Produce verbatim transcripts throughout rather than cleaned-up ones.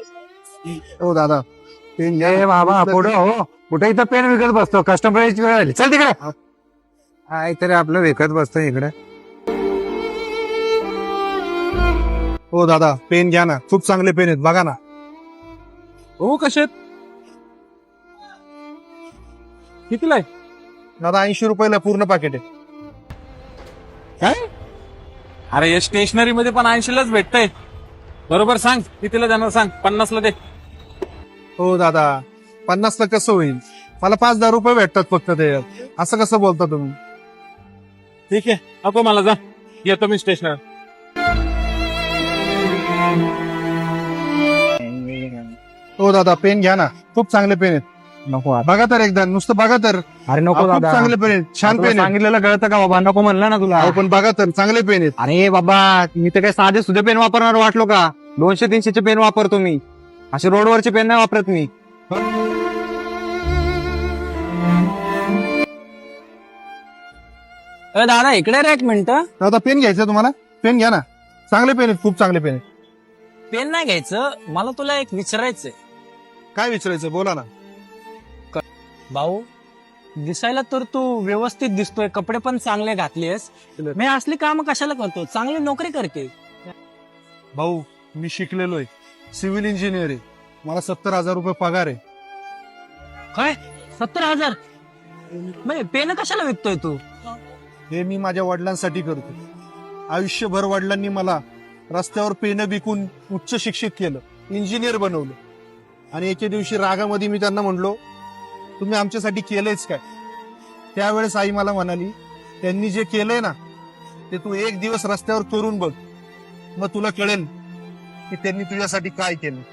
हो दादा पेन घ्या. ए बाबा पुढे हो, कुठे इथं पेन विकत बसतो, कस्टमरची वेळ आली, चल तिकडे. काय तरी आपलं विकत बसतो इकडे. हो दादा पेन घ्या ना, खूप चांगले पेन आहेत बघा ना. हो कसे कितीला आहे? दादा ऐंशी रुपयाला पूर्ण पाकिट आहे. काय? अरे या स्टेशनरी मध्ये पण ऐंशीलाच भेटतंय. बरोबर सांग कितीला जाणार सांग. पन्नासला दे. हो दादा पन्नासला कसं होईल, मला पाच दहा रुपये भेटतात फक्त ते, असं कसं बोलता तुम्ही. ठीक आहे नको मला, जा येतो मी स्टेशनर. हो दादा पेन घ्या ना, खूप चांगले पेन आहेत. नको आता. बघा तर एकदा, नुसतं बघा तर. अरे नको खूप दादा, चांगले पेन आहेत, छान तुला पेन आहेत. सांगितलेलं कळतं का बाबा, नको म्हणलं ना तुला. अहो, पण बघा तर चांगले पेन आहेत. अरे बाबा, मी तर काय साधे सुधे पेन वापरणार वाटलो का? दोनशे तीनशेचे पेन वापरतो मी, असे रोडवरचे पेन नाही वापरत मी. दादा इकडे रे एक मिनिट. दादा पेन घ्यायचं तुम्हाला, पेन घ्या ना, चांगले पेन आहेत, खूप चांगले पेन आहेत. पेन नाही घ्यायचं, मला तुला एक विचारायचंय. काय विचारायचं बोला ना. भाऊ दिसायला तर तू व्यवस्थित दिसतोय, कपडे पण चांगले घातलेस, मी असली काम कशाला करतो, चांगली नोकरी करते. भाऊ मी शिकलेलो आहे, सिव्हिल इंजिनियर आहे, मला सत्तर हजार रुपये पगार आहे. काय सत्तर हजार म्हणजे पेन कशाला विकतोय तू? हे मी माझ्या वडिलांसाठी करतो. आयुष्यभर वडिलांनी मला रस्त्यावर पेनं विकून उच्च शिक्षित केलं, इंजिनियर बनवलं. आणि एके दिवशी रागामध्ये मी त्यांना म्हणलो, तुम्ही आमच्यासाठी केलंयच काय? त्यावेळेस आई मला म्हणाली, त्यांनी जे केलंय ना ते तू एक दिवस रस्त्यावर करून बघ, मग तुला कळेल की त्यांनी तुझ्यासाठी काय केलं.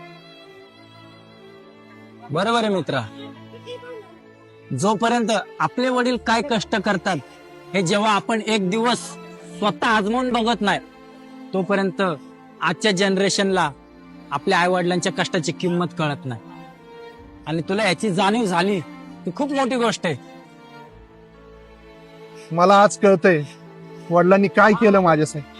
बरोबर आहे मित्रा, जोपर्यंत आपले वडील काय कष्ट करतात हे जेव्हा आपण एक दिवस स्वतः आजमावून बघत नाही, तोपर्यंत आजच्या जनरेशनला आपल्या आई वडिलांच्या कष्टाची किंमत कळत नाही. आणि तुला याची जाणीव झाली ही खूप मोठी गोष्ट आहे. मला आज कळतंय वडिलांनी काय केलं माझ्यासाठी.